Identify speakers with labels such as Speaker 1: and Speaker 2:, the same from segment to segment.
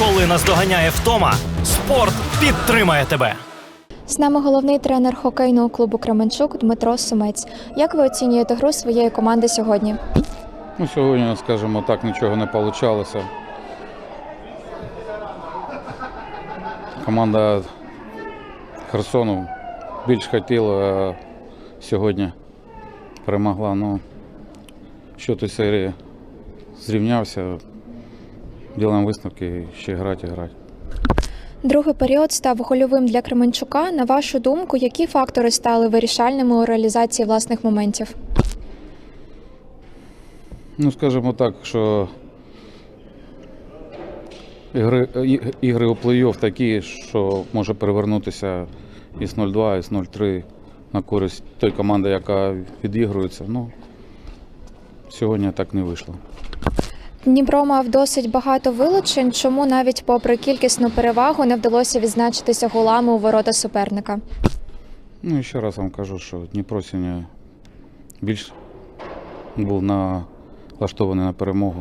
Speaker 1: Коли наздоганяє втома, спорт підтримає тебе.
Speaker 2: З нами головний тренер хокейного клубу «Кременчук» Дмитро Сумець. Як ви оцінюєте гру своєї команди сьогодні?
Speaker 3: Сьогодні, скажімо так, нічого не вийшло. Команда Херсону більш хотіла, а сьогодні перемогла. Що у серії зрівнявся, робимо висновки, ще грати.
Speaker 2: Другий період став гольовим для Кременчука. На вашу думку, які фактори стали вирішальними у реалізації власних моментів?
Speaker 3: Скажімо так, що ігри у плей-офф такі, що може перевернутися із 0-2, із 0-3 на користь той команди, яка відігрується. Сьогодні так не вийшло.
Speaker 2: Дніпро мав досить багато вилучень. Чому навіть попри кількісну перевагу не вдалося відзначитися голами у ворота суперника?
Speaker 3: І ще раз вам кажу, що Дніпро сьогодні більш був налаштований на перемогу.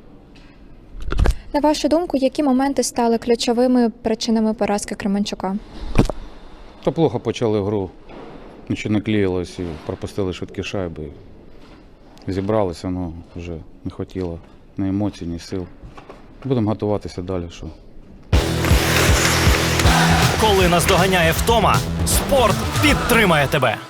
Speaker 2: На вашу думку, які моменти стали ключовими причинами поразки Кременчука?
Speaker 3: Та плохо почали гру, нічого не клеїлось і пропустили швидкі шайби. Зібралися, вже не хотіло ні емоцій, ні сил. Будемо готуватися далі.
Speaker 1: Коли наздоганяє втома, спорт підтримає тебе.